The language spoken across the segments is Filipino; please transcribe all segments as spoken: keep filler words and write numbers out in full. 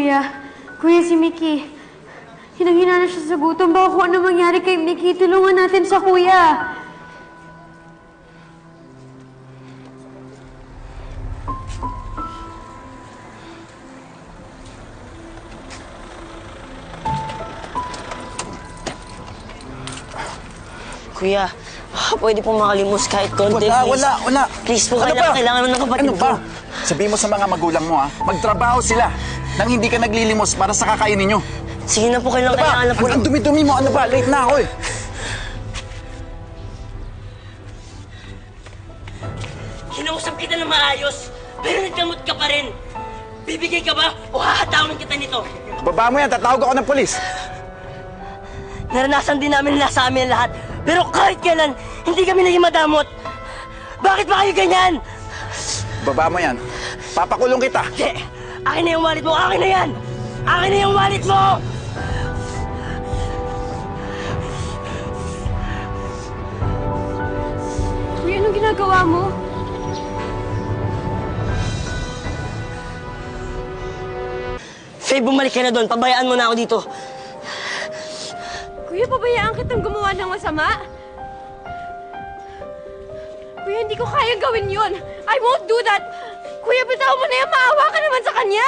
kuya. Kuya, si Mickey. Hinang-hina na siya sa gutom. Baka kung ano mangyari kay Mickey, tulungan natin sa kuya. Kuya, baka pwede pong makalimos kahit konti, Wala, please. wala, wala. Please po, Ano kailangan, ba? kailangan ng kapatid Ano ba? ko. Sabihin mo sa mga magulang mo, ha? Magtrabaho sila nang hindi ka naglilimos para sa kakainin nyo. Sige na po, kailangan, Ano ba? kailangan na po. Ang, ang dumi-dumi mo, ano ba? Late na ako eh. Kinausap kita na maayos, pero nagkamot ka pa rin. Bibigay ka ba o hahatawin kita nito? Baba mo yan, tatawag ako ng polis. Naranasan din namin na nasa amin lahat. Pero kahit kailan, hindi kami naging madamot. Bakit ba kayo ganyan? Baba mo yan. Papakulong kita. Hindi. Akin na yung wallet mo. Akin na yan. Akin na yung wallet mo. Kuya, anong ginagawa mo? Faye, bumalik ka na doon. Pabayaan mo na ako dito. Kuya, pabayaan kitang gumawa ng masama? Kuya, hindi ko kayang gawin yun. I won't do that. Kuya, bitaw mo na yan. Maawa ka naman sa kanya.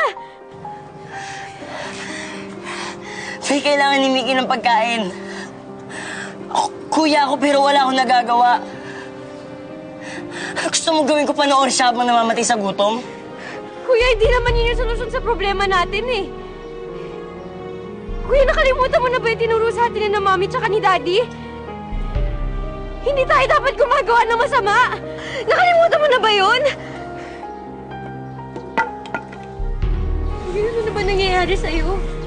Faye, kailangan ni Mickey ng pagkain. Ako, kuya ako pero wala akong nagagawa. Gusto mo gawin ko pa noon siya habang namamatay sa gutom? Kuya, hindi naman yun yung solusyon sa problema natin eh. Kuya, nakalimutan mo na ba yung tinuro sa atin ng mami tsaka ni daddy? Hindi tayo dapat gumagawa ng masama. Nakalimutan mo na ba yun? Kuya, ano na ba nangyayari sa'yo?